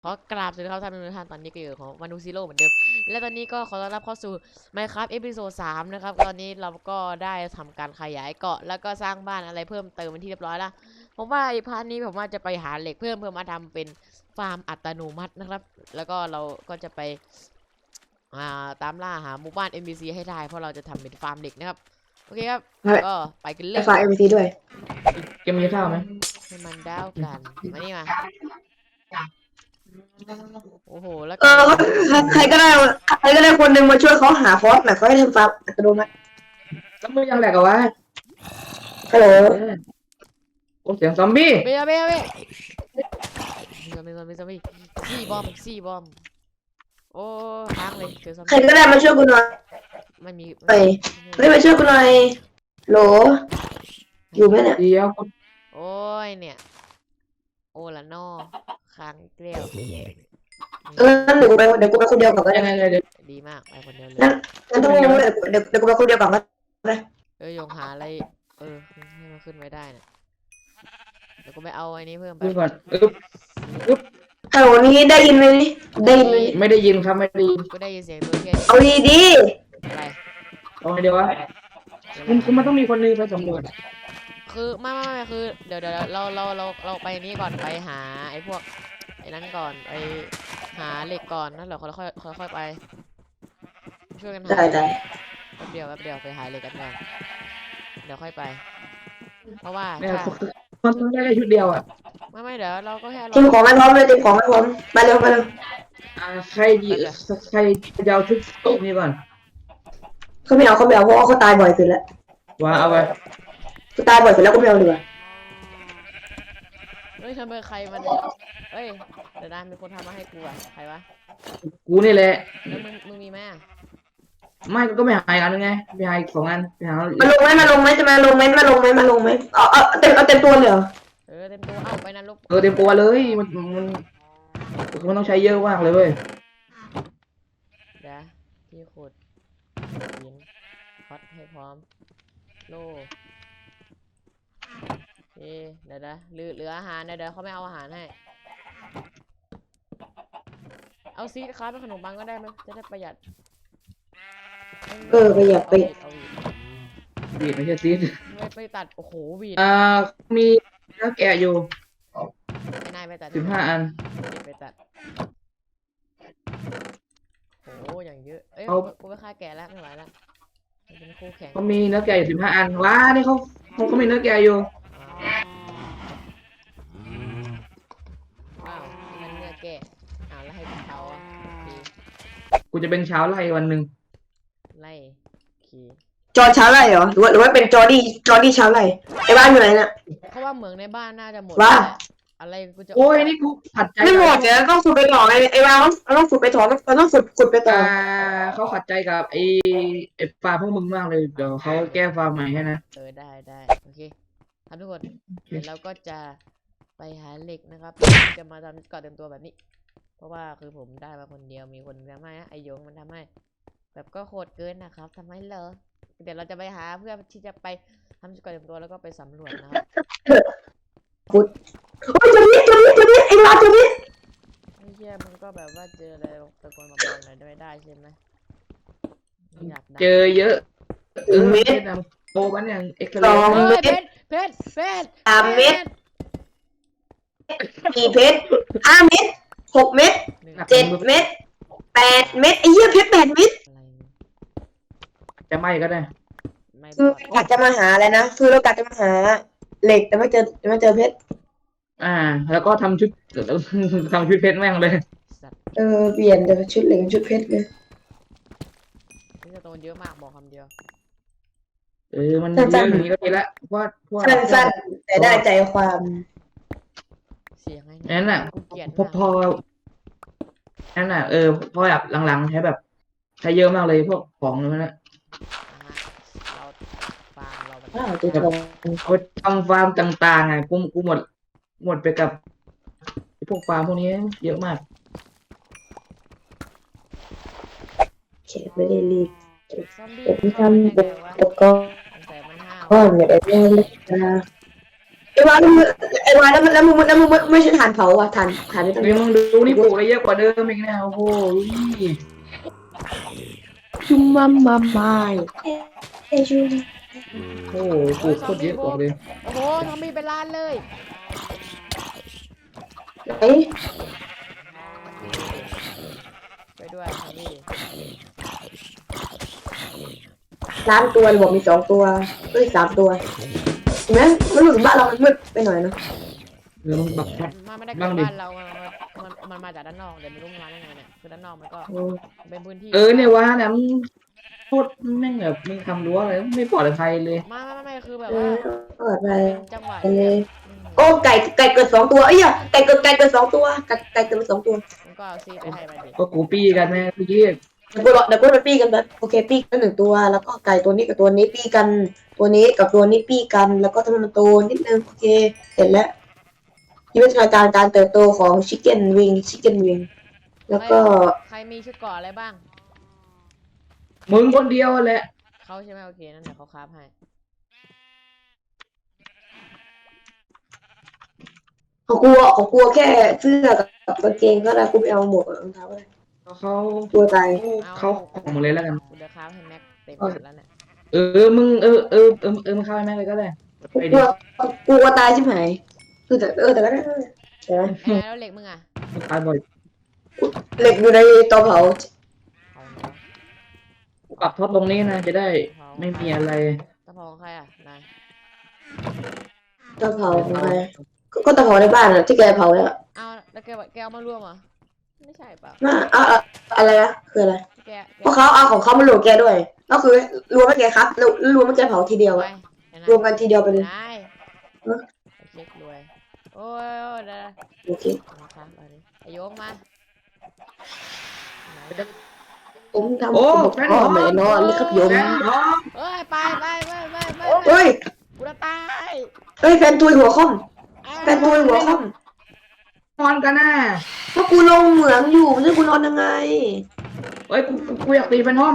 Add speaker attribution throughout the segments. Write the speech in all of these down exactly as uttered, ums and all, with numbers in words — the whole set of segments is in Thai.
Speaker 1: ขอกราบสวัสดีครับท่านผู้ชมตอนนี้ก็อยู่ของมานูซิโร่เหมือนเดิมและตอนนี้ก็ขอต้อนรับเข้าสู่ Minecraft เอพิโซดสามนะครับตอนนี้เราก็ได้ทำการขยายเกาะแล้วก็สร้างบ้านอะไรเพิ่มเติมเป็นที่เรียบร้อยแล้วผมว่าไอ้พาร์ทนี้ผมว่าจะไปหาเหล็กเพิ่มเพื่อมาทำเป็นฟาร์มอัตโนมัตินะครับแล้วก็เราก็จะไปอ่าตามล่าหาหมู่บ้าน เอ็น พี ซี ให้ได้เพราะเราจะทำเป็นฟาร์มเหล็กนะครับโอเคครับก็ไปกันเล
Speaker 2: ไอ้
Speaker 1: ย
Speaker 2: ไฟล์ เอ็ม พี ซี ด้วย
Speaker 3: เกมมีข้าวไหม
Speaker 1: ให้มันดาวกันมานี่มาโอ้โหแล้ว
Speaker 2: เออใครก็ได้ใครก็ได้คนหนึ่งมาช่วยเขาหาคอร์สหน่อยเขาให้ทำฟาร์มอัตโนมัติ
Speaker 3: แล้วมือยังแหลกเอาวะ
Speaker 2: ฮัลโหล
Speaker 3: โอ้เสียงซอมบี้
Speaker 1: เบียเบียเบียซอมบี้ซอมบี้ซอมบี้ซี่บอมซี่บอมโอ้ค้างเลยเจอซอม
Speaker 2: ใคร
Speaker 1: บี้
Speaker 2: ก็ได้มาช่วยกูหน่อย
Speaker 1: ไม่มี
Speaker 2: ไปเฮ้ยมาช่วยกูหน่อยโหลอยู่ไหมเนี่ย
Speaker 3: เดียว
Speaker 1: โอ้ยเนี่ยโอ้ละนอค้างเกลียว
Speaker 2: เอองั้นเดี๋ยวกูไปเดี๋ยวกูไปคนเดียวก่อนก็
Speaker 3: ยั
Speaker 2: ได้
Speaker 3: งไงเลยเดี๋ยว
Speaker 1: ดีมากไปคนเดียวเลย
Speaker 2: งั้นงั้นต้องรู้เลยเดี๋ยวเดี๋ยวกูไปคนเดียวก่อนก็ได้
Speaker 1: เอ้ยยงหาอะไรเออให้มันขึ้นไว้ได้น่ะเดี๋ยวกูไปเอาไอ้นี้เพิ่มไป
Speaker 3: ดูก่อนอึ๊บอึ๊บ
Speaker 2: ฮัลโหลนี่ได้ยินไหมนี่ได้ยินไหม
Speaker 3: ไม่ได้ยินครับไม่ได้ยิน
Speaker 1: กูได้ยินเสียงตัวเฮีย
Speaker 2: เอาดีดี
Speaker 1: อะไร
Speaker 3: เอาไงเดียววะคุณคุณมันต้องมีคนนึงไปสำรวจ
Speaker 1: คือไม่ไม่ไม่คือเดี๋ยวเดี๋ยวเราเราเราเราไปนี้ก่อนไปหาไอ้พวกไอ้นั้นก่อนไปหาเหล็กก่อนนั่นเหรอค่อยค่อยค่อยค่อยไปช่วยกันหา
Speaker 2: ได้ได้
Speaker 1: แป๊บเดียวแป๊บเดียวไปหาเหล็กกันก่อนเดี๋ยวค่อยไป เพราะว่า
Speaker 3: เนี่ย
Speaker 1: ถ้า
Speaker 3: มันต้องได้แค่ชุดเดียวอ่ะ
Speaker 1: ไม่ไม่เดี๋ยวเราก็แค่ร
Speaker 2: ที
Speaker 1: อ
Speaker 2: มของไม่พร้อมเลยทีมของไม่พร้อมไปเร็วไปเร็ว
Speaker 3: อ่าใครดีใครจะเอาชุดโต๊ะนี้ก่อน
Speaker 2: เขาไม่เอาเขาไม่เอาเพราะว่าเขาตายบ่อยสุดแล้ว
Speaker 3: ว่าเอาไป
Speaker 2: เขาตายบ่อยสุดแล้วก็ไม่เอาดีกว่า
Speaker 1: เฮ้ยทำไมใครมันเฮ้ยเดี๋ยวนะมีคนทำมาให้กูอะใครวะ
Speaker 3: กูนี่แหละ
Speaker 1: แล้วมึงมึงมีไหมอะ
Speaker 3: ไม่ก็ไม่หายอันนึงไงไม่หายสองอันไม่หา
Speaker 2: มาลงไหมมาลงไหมจะมาลงไหมมาลงไหมมาลงไหมเอาเอาเต็มเอาเต็มตัวเลยเหรอ
Speaker 1: เออเต็มตัวเอ้าไปนรก
Speaker 3: เออเต็มตัวเลยมันมันมันต้องใช้เยอะมากเลยเว้ย
Speaker 1: เดี๋ยวที่ขุดหินคอดให้พร้อมโล่โอเคเดี๋ยวนะเหลือเหลืออาหารเดี๋ยวเดี๋ยวเขาไม่เอาอาหารให้เอาซีดค้าเป็นขนมปังก็ได้ไหมจะได้ประหยัด
Speaker 2: เออประหยัดไป
Speaker 1: เอาวีด
Speaker 3: บีดไม่ใช่ซีด
Speaker 1: ไม่ไปตัดโอ้โหวีด
Speaker 3: อ่ามีเนื้อแกะอยู่
Speaker 1: ไอ้นายไปตัด
Speaker 3: สิบห้าอัน
Speaker 1: ไปตัดโอ้โหอย่างเยอะเอ้ย
Speaker 3: เอา
Speaker 1: กูกูไปฆ่าแกะแล้วไม่ไหวแล้วมันเป็นคู่แข่ง
Speaker 3: เขามีเนื้อแกะอยู่สิบห้าอันว้านี่เขาเขาก็มีเนื้อแกะอยู่
Speaker 1: ว้าวนี่มันเนื้อแกะอ้าวแล้วให้เขาอ่ะโอเค
Speaker 3: กูจะเป็นชาวไร่วันหนึ่ง
Speaker 1: ไล่โอเค
Speaker 2: จอช้าไรเหรอหรือว่าหรือว่าเป็นจอดี้จอดี้ช้าไรไอ้บ้านอยู่ไหนเนี่ย
Speaker 1: เพราะว่าเหมืองในบ้านน่าจะหมด
Speaker 2: ว่า
Speaker 1: อะไรกูจะ
Speaker 3: โอ้ยนี่กูขัดใจ
Speaker 2: ไม่หมดเดี๋ยวต้องฝึกไปต่อไอ้ไอ้บ้านเราต้องฝึกไปต่อเราต้องฝึกฝึกไปต่อ
Speaker 3: อ่าเขาขัดใจกับไอ้ไอ้ฟาร์มพวกมึงมากเลยเดี๋ยวเขาแก้ฟาร์มใหม่ให้นะ
Speaker 1: เออได้ได้โอเคครับทุกคนเดี๋ยวเราก็จะไปหาเหล็กนะครับจะมาทำเกาะเต็มตัวแบบนี้ เพราะว่าคือผมได้มาคนเดียวมีคนทำให้นะไอโยงมันทำให้ แบบก็โหดเกินนะครับทำไมเหรอเดี๋ยวเราจะไปหาเพื่อที่จะไปทำเกาะเต็มตัวแล้วก็ไปสำรวจนะครับ
Speaker 2: โอ้ยตัวนี้ตัวนี้ตัวนี้ไอ้บ้านตัวนี้
Speaker 1: ไอ้เหี้ยมันก็แบบว่าเจออะไรตะโกนมาบอกหน่อยได้ได้ใช่ไหมไม่อยากได้
Speaker 3: เจอเยอะเออเม็ดนะโตมันอย่างเอ็กซ์
Speaker 2: ส
Speaker 3: เร
Speaker 2: อง
Speaker 3: ย์
Speaker 1: เฮ้ย
Speaker 2: เม็ด
Speaker 1: เพชรเพชรเพชร
Speaker 2: สามเม็ด สี่เพชรห้าเม็ดหกเม็ด
Speaker 1: หนึ่ง
Speaker 2: เจ็ดเม็ดแปดเม็ดไอ้เหี้ยเพชรแปดเม็ด
Speaker 1: อะไรเนี่ย
Speaker 3: จะไหม่ก็ได้
Speaker 1: ไม่
Speaker 2: คื
Speaker 1: บ
Speaker 2: อ
Speaker 1: อก
Speaker 2: กะจะมาหาอะไรนะคือเรากะจะมาหาเหล็กแต่ไม่เจอไม่เจอเพชร
Speaker 3: อ่า แล้วก็ทำชุด ทำชุดเพชรแม่งเลย
Speaker 1: สัตว์
Speaker 2: เออเปลี่ยนจากชุดเหล็กเป็นชุดเพชรเลย
Speaker 1: นี่จะโตเยอะมากบอกคำเดียว
Speaker 3: เออมันเยอะอย่างนี้ก็ดีละว่าว่า
Speaker 2: สั้นๆแต่ได้ใจความ
Speaker 1: เสียงไง
Speaker 3: นั่นน่ะ
Speaker 1: กูเกลียด
Speaker 3: พอพอนั่นน่ะเออพอแบบหลังๆใช้แบบใช้เยอะมากเลยพวกของนั่นนะ
Speaker 1: เราฟาร์มเรามัน
Speaker 2: อ้าวตัวทอง
Speaker 3: เอาทำฟาร์มต่างๆอ่ะกูกูหมด หมดไปกับไอ้พวกฟาร์มพวกนี้เยอะมาก
Speaker 2: เขตไม่ได้รีบ
Speaker 1: ซอมบี้
Speaker 2: ผม
Speaker 1: เข้ามา
Speaker 2: ทำ
Speaker 1: ได้
Speaker 2: แบ
Speaker 1: ไง
Speaker 2: บ
Speaker 1: วะ
Speaker 2: ตะกอน
Speaker 1: สงสัยมันห้าว
Speaker 2: ก้อนเนี่ยไอ้เรื่องเล็กนะไอ้บ้านไอ้มาแล้วแล้วมึงแล้วมึงไม่ไม่ใช่ฐานเผาอ่ะฐานฐานไม่ต้อง
Speaker 3: เฮ้ยมึงดูนี่ปลูกอะไรเยอะกว่าเดิมอีกนะโอ้โห
Speaker 2: ชุมมัมมัมไม่เอ้ยชุม
Speaker 3: โอ้โหปลูกโคตรเยอะบอกเลย
Speaker 1: โอ้โหทำมีเป็นล้านเลย
Speaker 2: เอ้ย
Speaker 1: ไปด้วยทำมี
Speaker 2: ล้านตัวบอกมีสองตัวเอ้ยสามตัวเห็นไหมมันรู้สึกบ้านเรามันมืดไปหน่อยนะ
Speaker 3: เดี๋ยวมึงปรับแพท
Speaker 1: มันไม่ได้เกิ
Speaker 3: บ้า
Speaker 1: ด
Speaker 3: งดิ
Speaker 1: บ้านเรา มันมันมันมาจากด้านนอกเดี๋ยวไม่รู้มันมาได้ไงเนี่ยคือด้านนอกมันก็
Speaker 2: อืม
Speaker 1: เป็นพื้นที่
Speaker 3: เออเนี่ยว่าเนี่ยมึงโคตรแม่งแบบมึงทำรั้วอะไรไม่ปลอดภัยเลย
Speaker 1: ไม่ไม่ไม่คือแบบ
Speaker 2: เอ
Speaker 1: ว่า
Speaker 2: อเปิดไป
Speaker 1: เป็นจังหวะ
Speaker 2: ไปเลย
Speaker 1: อืม
Speaker 2: โอ้ไก่ไก่เกิดสองตัวเอ้ยอะไก่เกิดไก่เกิดสองตัวไก่ไก่เกิดมาสองตัว
Speaker 1: มันก็เอาซีไปให้มันดิ
Speaker 3: ก็กูปี้กันแม่เมื่อกี้
Speaker 2: เดี๋ยวกูรอเดี๋ยวกูไปปี้กันแบบโอเคปี้กันหนึ่งตัว แล้วก็ไก่ตัวนี้กับตัวนี้ปี้กัน ตัวนี้กับตัวนี้ปี้กัน แล้วก็ทำให้มันโตนิดนึงโอเคเสร็จแล้ววิวัฒนาการการเติบโตของชิคเก้นวิงชิคเก้นวิงแล้วก็
Speaker 1: ใครมีชุดเกราะอะไรบ้าง
Speaker 3: มึงคนเดียวแหละ
Speaker 1: เขาใช่ไหมโอเคนั่นเดี๋ยวเขาคราฟให้
Speaker 2: ของกูอ่ะของกูแค่เสื้อกับกางเกงก็ได้กูไปเอาหมวกกับรองเท้าเลย
Speaker 3: เขา
Speaker 2: ตัวตาย
Speaker 3: เขาของมึงเลยแล้วกัน
Speaker 1: กูเดี๋ยวคราฟให้แม็กเต็มหมดแล้วเนี่ย
Speaker 3: เออมึงเออเออเออเออมึงเข้าไปแม่งเลยก็ได้
Speaker 2: กู
Speaker 3: ไป
Speaker 2: ก
Speaker 3: ดิ
Speaker 2: ลัวกูกลัวตายใช่ไหมคือแต่เออแต่ก็ได้เดี๋ยวนะ
Speaker 1: ไอ้แล้วเหล็กมึงอ่ะ
Speaker 3: มึงตายบ่อย
Speaker 2: เหล็กอยู่ในเตาเผา
Speaker 1: เอาเนาะ
Speaker 3: กูปรับท็อปตรงนี้นะจะได้ไม่มีอะไร
Speaker 1: ตะพองใครอ่ะนาย
Speaker 2: เตาเผาของใครก็ก็เตาเผาในบ้านอะที่แกเผาแล้ว
Speaker 1: เอาแล้วแกบอกแกเอามารวมเหรอไม่ใช่เปล่า
Speaker 2: น่าเอาเอาอะไรนะคืออะไร
Speaker 1: แกแก
Speaker 2: เพราะเขาเอาของเขามารวมแกด้วยก็คือรวมให้แกครับแล้วรวมให้แกเผาทีเดียว
Speaker 1: ไป
Speaker 2: อะ
Speaker 1: ไอ้นาย
Speaker 2: รวมกันทีเดียวไปเลย
Speaker 1: นาย
Speaker 2: เออ
Speaker 1: ไอ้เช็ครวยโอ้ยโอ้ยเดี๋ยว
Speaker 2: โอเค
Speaker 1: มาครับเอาดิไอ้โยงมาไหน
Speaker 2: ผมทำ
Speaker 3: โอ้
Speaker 2: ผม
Speaker 3: แฟน
Speaker 2: พ่อ
Speaker 3: ทอม
Speaker 2: แม่นอนเลยครับโยม
Speaker 3: แฟนทอม
Speaker 1: เอ้ยไปไปไปไปไป
Speaker 2: เฮ้ย
Speaker 1: กูจะตาย
Speaker 2: เฮ้ยแฟนตุยหัวค่อม
Speaker 1: อ้าว
Speaker 2: แฟนตุยหัวค่อม
Speaker 3: นอนกันนะ
Speaker 2: เพราะกูลงเหมืองอยู่ไม่ใช่กูนอนยังไง
Speaker 3: เอ้ยกูกูกูอยากตีแฟนทอม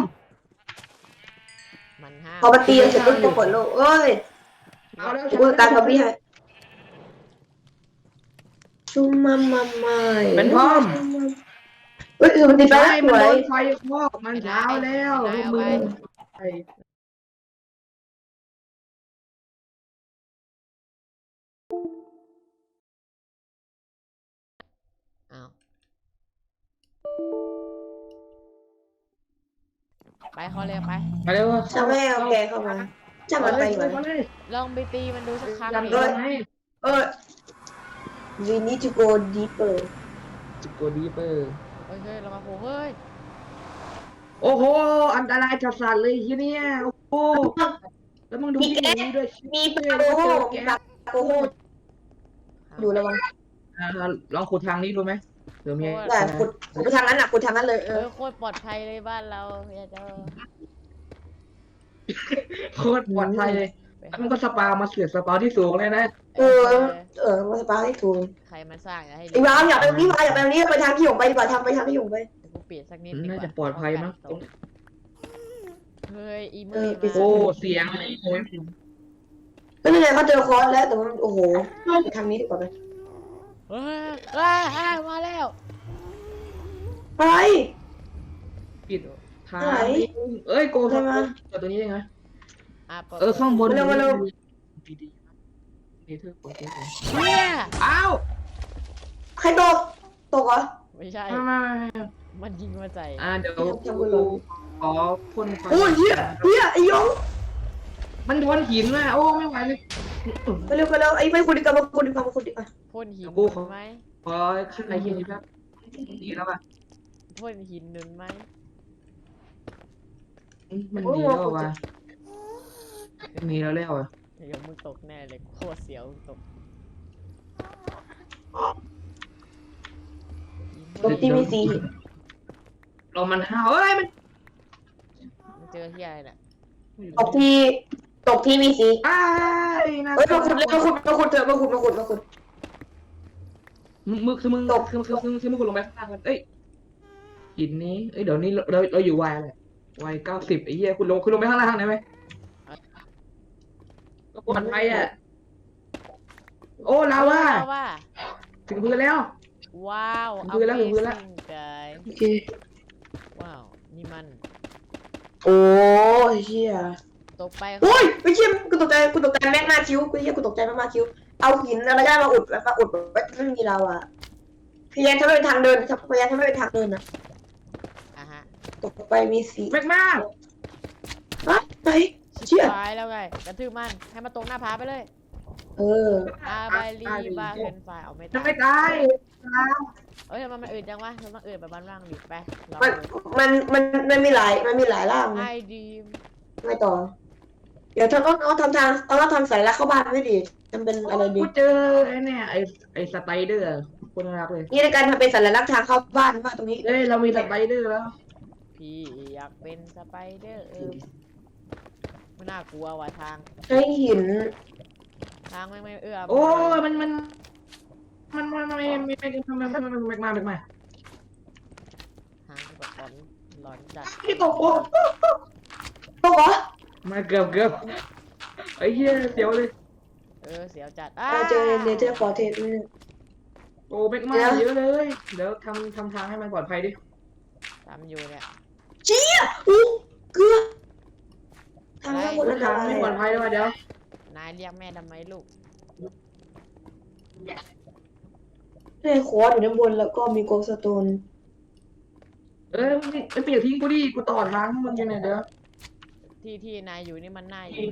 Speaker 1: มันห้าม
Speaker 2: พอมาตีเสร็จก็จะเปิดโลกเอ้ย
Speaker 3: เอาแล้ว
Speaker 2: กูการกับพี่ให้ชุมมามาไม่
Speaker 3: เป็นทอม
Speaker 2: เฮ้ยมันตีไป
Speaker 3: ใช่
Speaker 2: แล้วส
Speaker 3: มัน
Speaker 2: ว
Speaker 3: โด
Speaker 2: ย
Speaker 3: นไฟคลอกมันเช้าแล้วลูกมึงไป
Speaker 1: อ้าวไปเขาเลยไป
Speaker 3: มาเร็ว
Speaker 2: ช่างแม่เอาแกเข้ามาช่างมันไปอยู่
Speaker 3: มา
Speaker 2: ไหน
Speaker 3: เลย
Speaker 1: ลองไปตีมันดูสักครั้ง
Speaker 3: ยัน
Speaker 1: ดิ
Speaker 3: โดนให้
Speaker 2: เออ we need to go deeper
Speaker 3: จิโกดีเปอร์
Speaker 1: เฮ้ยเฮ้ยเรามาโผล่เฮ้ย
Speaker 3: โอ้โหอันตรายจัดสันเลยทีเนี้ยโอ้โหแล้วมึงดูที่นี่ด้วย
Speaker 2: มีป
Speaker 3: เจ
Speaker 2: ลา
Speaker 3: อ
Speaker 2: โกโฮ
Speaker 3: แก
Speaker 2: มีปลาโกโฮอยู่ระวัง
Speaker 3: ลองขุดทางนี้ดูไหมเดี๋ยวมี
Speaker 2: แต่ขุดขุดไปทางนั้นอ่ะขุดทางนั้นเลยเอ
Speaker 1: เอ
Speaker 2: อ
Speaker 1: อโคตรปลอดภัยเลยบ้านเราอย่าเจอ
Speaker 3: โคตรปลอดภัยเลยมันก็สปามาเสือกสปาที่สูงเลยนะ
Speaker 2: เออเออมาสปาให้ถูก
Speaker 1: ใครมาสร้างอย่าให้
Speaker 2: ไอ้วามอย่าไปตรงนี้มาอย่าไปตรงนี้ไปทางที่หยงไปดีกว่าทางไปทางที่หยงไป
Speaker 1: เดี๋ยวกูเปลี่ยนสักนิดดีกว่า
Speaker 3: น่าจะปลอดภัยมั้ง
Speaker 1: เฮ้ยอี
Speaker 2: เอ
Speaker 1: มื
Speaker 2: อ
Speaker 1: อ
Speaker 2: ปิด
Speaker 3: โอ้
Speaker 1: มา
Speaker 3: เสียงโอ้ย
Speaker 2: ก็นี่ไงเขาเจอคอร์สแล้วแต่มันโอ้โหไปทางนี้ดีกว่าไหม
Speaker 1: เฮ้ยเฮ้ยเฮ้ยมาแล้ว
Speaker 2: อะไร
Speaker 3: ปิดทางเอ้ยโกงทำไมตัวนี้ยังไง
Speaker 1: อ่ะปิด
Speaker 3: เออข้างบน
Speaker 2: เร็วมาเร็ว
Speaker 3: ดีๆเนเธอร์โปรเจกต์
Speaker 1: เชี่ย
Speaker 3: อ้าว
Speaker 2: ใครตกตกเหรอ
Speaker 1: ไม่ใช่
Speaker 3: มา
Speaker 1: มันยิงมาใส่
Speaker 3: อ่าเดี๋ยว
Speaker 2: ทำบุญลง
Speaker 3: ขอพ่นไฟ
Speaker 2: โอ้ยเฮียเฮียไอ้ยง
Speaker 3: มันโดนหินอ่ะโอ้ไม่ไหวเลย
Speaker 2: ไปเร็วไปเร็วไอ้ไม่คุณดีกว่ามาคุณดีกว่ามาคุณดีกว่า
Speaker 1: พ่นหิน
Speaker 3: กู
Speaker 1: นุ
Speaker 3: ขอ
Speaker 1: นไหม
Speaker 3: ขอข้างในที่นี้แป๊บดีแล้วป่ะ
Speaker 1: พ่นหินนุนไหม
Speaker 3: มันดีแล้วว่ะมันดีแล้วแล้วอ่ะ
Speaker 1: เดี๋ยวมึงตกแน่เลยโคตรเสียวมึงตก
Speaker 2: ตกที่มีสี
Speaker 3: ลมมันห้าวเอ้ยมัน
Speaker 1: มึงเจอที่อะไรน่ะ
Speaker 2: ตกที่ตกที่มีสี
Speaker 3: อ้ายน่า
Speaker 2: เฮ้ยมาขุดเลยมาขุดมาขุดเถอะมาขุดมาขุดมาขุด
Speaker 3: มึงคือมึง
Speaker 2: ตก
Speaker 3: คือคือคือคือมึงกดลงไปข้างล่างกันเอ้ยหินนี้เอ้ยเดี๋ยวนี้เราเราอยู่วัยอะไรวัยเก้าสิบไอ้เหี้ยคุณลงคุณลงไปข้างล่างได้ไหมก็ปลอดภัยอ่ะโอ้ลาวา
Speaker 1: ลาวา
Speaker 3: ถึงพื้นแล้ว
Speaker 1: ว้าว
Speaker 3: ถึงพื้นแล้วถึงพื้นแล้ว
Speaker 1: Amazing guy
Speaker 2: โอเค
Speaker 1: ว้าว นี่มัน
Speaker 2: โอ้ยเชี่ย
Speaker 1: ตกไป
Speaker 2: โอ้ยไม่เชี่ยกูตกใจกูตกใจแม่งมากคิ้วกูเชี่ยกูตกใจมากมากคิ้วเอาหินอะไรก็ได้มาอุดมาอุดไว้ไม่มีเราอะพยายามทำให้เป็นทางเดินพยายามทำให้เป็นทางเดินนะ
Speaker 1: อ่ะฮะ
Speaker 2: ตกไปมีสี
Speaker 3: แม็กมา
Speaker 2: ฮะไหน
Speaker 1: ชิ
Speaker 2: เชี่ย
Speaker 1: บหายแล้วไงกระทืบมัน ให้มันตกหน้าผาไปเลย
Speaker 2: เออ
Speaker 1: อาบาลีบาเคนไฟเอาไม่
Speaker 3: จะ
Speaker 1: ตาย
Speaker 3: ไม่ตาย
Speaker 1: เอ้ยทำไมมันอืดจังวะมันต้องอืดแบบบ้านร่างดิไปลอง
Speaker 2: มัน
Speaker 1: ดู
Speaker 2: มันมันมันมีหลายมันมีหลายร่าง
Speaker 1: ไอ
Speaker 2: นะ
Speaker 1: ดีม
Speaker 2: ไม่ต่อ เดี๋ยวทำต้องเอาทำทางเอาเราทำสายลักเข้าบ้านไม่ดีทำเป็นอะไรดี
Speaker 3: กูเจอไอ้เนี่ยไอ้ไอ้สไปเดอร์คนน่ารักเลย
Speaker 2: นี่ในการทำเป็นสัญลักษณ์ทางเข้าบ้านว่าตรงนี้
Speaker 3: เอ้ยเรามีสไปเดอร์แล้ว
Speaker 1: พี่อยากเป็นสไปเดอร์เออไม่น่ากลัวว่ะทาง
Speaker 2: ใช้หิน
Speaker 1: ทางไม่ไม่เอื้อ
Speaker 3: โอ้ยมันมันมันมันมันไม่ไม่ไม่ไม่ไม่ไม่ไม่มาไม่มา
Speaker 1: ทางแบบหลอนหลอนจัด
Speaker 3: ที่ตกโอ้
Speaker 2: ตกเหรอ
Speaker 3: มาเกือบเกือบไอ้เหี้ยเสียวเลย
Speaker 1: เออเสียวจัด
Speaker 2: เราเจอเนเธอร์ฟอร์เทส
Speaker 3: โอ้เม็กมาเยอะเลย เดี๋ยวทำทำทางให้มันปลอดภัยดิ
Speaker 1: ทำอยู่เนี่ย
Speaker 2: เจี๊ยอู้เกลือทางทั้งหมด
Speaker 3: ทา
Speaker 2: อันต
Speaker 3: ง
Speaker 2: ราย
Speaker 3: ไม่ปลอดภัยด้วยเดี๋ยวน
Speaker 1: ายเรียกแม่ทำไมลูก
Speaker 2: ในคอร์ดอยู่ด้านบนแล้วก็มีโกลสโตน
Speaker 3: เอ้ยไม่เปลี่ยนทิ้งกูดิกูต่อทางให้มึงยังไงเดี๋ยว
Speaker 1: ที่ที่นายอยู่นี่มันน่าอยู่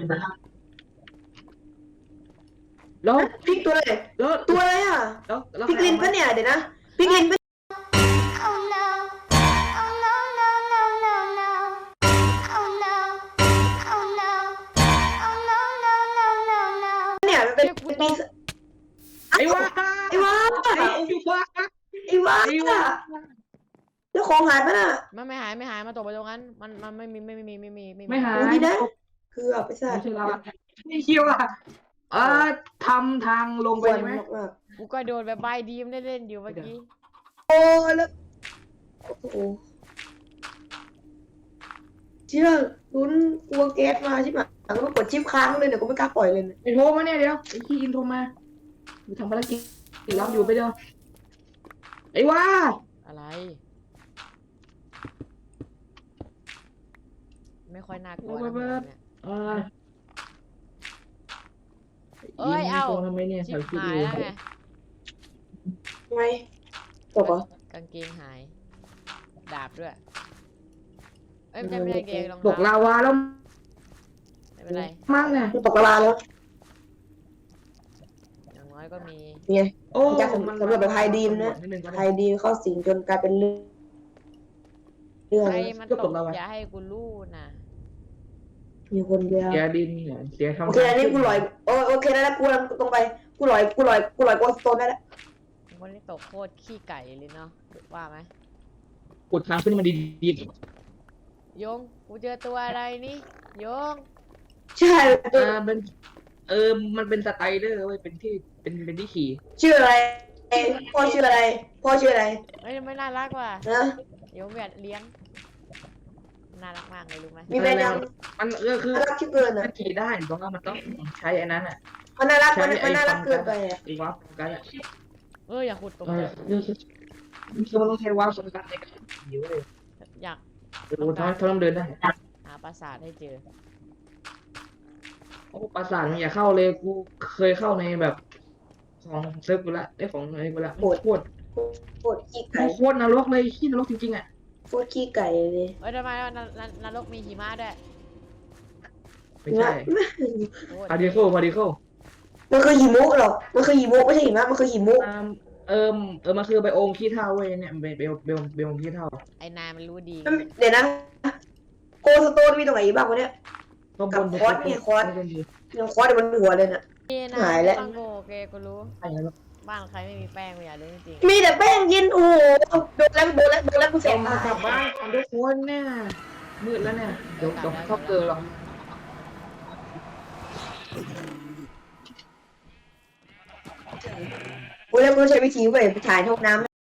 Speaker 3: แล้ว
Speaker 2: พริกตัวอะไร
Speaker 3: แล้ว
Speaker 2: ตัวอะไรอ่ะ
Speaker 3: แล้วแล้ว
Speaker 2: พริกลินปะเนี่ยเดี๋ยวนะพริกลินปะ
Speaker 4: Oh no. Oh no, no, no, no, no. Oh no. Oh no. Oh no, no, no, no, no.
Speaker 2: เนี่ยมันเป็นเป็นปี
Speaker 3: ไอ้วะ
Speaker 2: ไอ้วะ
Speaker 3: ไอ้วะ
Speaker 2: ไอ้วะ
Speaker 3: ไอ้วะ
Speaker 2: แล้วของหายปะน่ะ
Speaker 1: มันไม่หายไม่หายมาตกไปตรงนั้นมันมันไม่มีไม่มีไม่มีไม่มี
Speaker 3: ไม่หาย
Speaker 2: ดูดีนะเกือบไปซะ
Speaker 3: ไม่ใช่เราไม่คิวอ่ะเออทำทางลง
Speaker 2: ค
Speaker 3: ไป
Speaker 2: วัน
Speaker 3: ใช่ไหม
Speaker 2: มาก
Speaker 1: กูก็โดนแบบใบดีมเล่นๆอยู่เมื่อกี้
Speaker 2: ๆโอ้แล้วโอ้โหเชื่อลุ้นกลัวแก๊สมาใช่ไหมหลังก็กดชิปค้างเลยเนี่ยกูไม่กล้าปล่อยเลยเนี่ย
Speaker 3: ไอ้โทรมาเนี่ยเดี๋ยวไอ้ที่อินโทรมากูทำภารกิจรับอยู่ไปเดียวไอ้ว่า
Speaker 1: อะไร ไม่ค่อยน่ากลัวนะผมเนี่ย
Speaker 3: เออ
Speaker 1: เอ้ยเอา
Speaker 3: โทรทำไมเนี่ย
Speaker 1: ชิ
Speaker 3: ใส่
Speaker 1: บ
Speaker 3: ชุด
Speaker 1: หาย
Speaker 3: อยู่
Speaker 1: แล้วไง
Speaker 2: ไงตกเหรอก
Speaker 1: างเกงหาย ดาบด้วย เอ้ยไม่ใช่ไม่ใช่กางเกงรอง
Speaker 3: ตก
Speaker 1: เท้า
Speaker 3: ลาวาแล้ว
Speaker 1: ไม่เป็นไร
Speaker 3: มากเนี่ย
Speaker 2: มันตกกระบาลแล้ว
Speaker 1: อย่างน้อยก็มี
Speaker 2: ไง
Speaker 3: โอ้
Speaker 2: จากสำสำหรับแบบไฮดีมนะ
Speaker 3: นิดนึงก็
Speaker 2: ไฮ
Speaker 3: ได้
Speaker 2: ดีเข้าสิงจนกลายเป็นเรื่องเรื่อง
Speaker 1: ใครมัน
Speaker 3: ก็
Speaker 1: ต
Speaker 3: ต
Speaker 1: ก
Speaker 3: กแล้ววะ
Speaker 1: อย่าให้กูรู้นะ
Speaker 2: มีคนเดียว
Speaker 3: เสียดินเนี่ยเสียทำ
Speaker 2: โอเคอันนี้กูลอยโอโอเคได้แล้วกูลงตรงไปกูลอยกูลอยกูลอยโกสโตนได้แล้ว
Speaker 1: คนที่ตกโคตรขี้ไก่เลยเนาะว่าไหม
Speaker 3: กดทางขึ้นมาดี
Speaker 1: โยงกูเจอตัวอะไรนี่โยง
Speaker 2: ใช่
Speaker 3: ๆเออเป็นเออมันเป็นสไตเดอร์เว้ยเป็นที่เป็นเป็นที่ขี่
Speaker 2: ชื่ออะไรพ่อชื่ออะไรพ่อชื่ออะไร
Speaker 1: เฮ้ยไม่น่ารักว่ะ
Speaker 2: นะ
Speaker 1: โยงแบบเลี้ยง น่ารักมากเลยรู้ไหม
Speaker 2: มีแฟนยัง
Speaker 3: มันเออคือ
Speaker 2: น่ารักที่เกินอ่ะ
Speaker 3: ถ้าขี่ได้เพราะว่ามันต้องใช้อันนั้นอ่ะ
Speaker 2: มันน่ารัก
Speaker 3: ใช้
Speaker 2: มันมันน่ารักเกินไปอ่ะ
Speaker 3: ไอ้วับกันอ่ะ
Speaker 1: เอออย่าขุดตก
Speaker 3: เอ
Speaker 1: ใจ
Speaker 3: อเรื่องมันต้องใช้วับสำคัญในการขี่เว้ย
Speaker 1: อยาก
Speaker 3: เดี๋ยวเขาเขาต้องเดินได้
Speaker 1: หาปราสาทให้เจอ
Speaker 3: โอ้ปราสาทมึงอย่าเข้าเลยกูเคยเข้าในแบบของเซิร์ฟกูละไอ้ของอะไรกูละโคตรโคตร
Speaker 2: โคตรขี้ไก่
Speaker 3: โคตรนรกเลยขี้นรกจริงๆอ่ะ
Speaker 2: โคตรขี้ไก่เลย
Speaker 1: เอ้ยทำไมนนนนรกมีหิมะด้วย
Speaker 3: ไม่ใช่
Speaker 1: โคตร
Speaker 3: พาร์ติเคิลพาร์ติเคิล
Speaker 2: มันคือหิมุหรอกมันคือหิมุไม่ใช่หิมะมันคือหิมุ
Speaker 3: เออเออเออมันคือไบโอมขี้เถ้าเว้ยเนี่ยเบลเบลเบลเบลขี้เถ้า
Speaker 1: ไอ้นายมันรู้ดี
Speaker 2: เดี๋ยวนะโกสโตนมีตรงไหนบ้างวะเนี่ย
Speaker 3: ก็บน
Speaker 2: กับคอร์สเนี่ยคอร์ส
Speaker 3: บนดี
Speaker 2: ยังคอร์สเดี๋ยวมันหัวเลยน่ะ
Speaker 1: นี่นะ
Speaker 2: หายแล้ว
Speaker 1: ต้องโกโอเคกูรู้
Speaker 3: ใช่แล้ว
Speaker 1: บ้านใครไม่มีแป้งไม่อยากรู้จริง
Speaker 2: มีแต่แป้งเย็นโอ้โหโดนแล้วโดนแล้วโดนแล้วกูเสี
Speaker 3: ส่
Speaker 2: ย
Speaker 3: ง
Speaker 2: ตาย
Speaker 3: กลับบ้านของทุกคนเนี่ยมืดแล้วเนี่ยเดี๋ยวเดี๋ยวเข้าเกินหรอก
Speaker 2: กูแล้วกูใช้วิธีไปถ่ายห้องน้ำ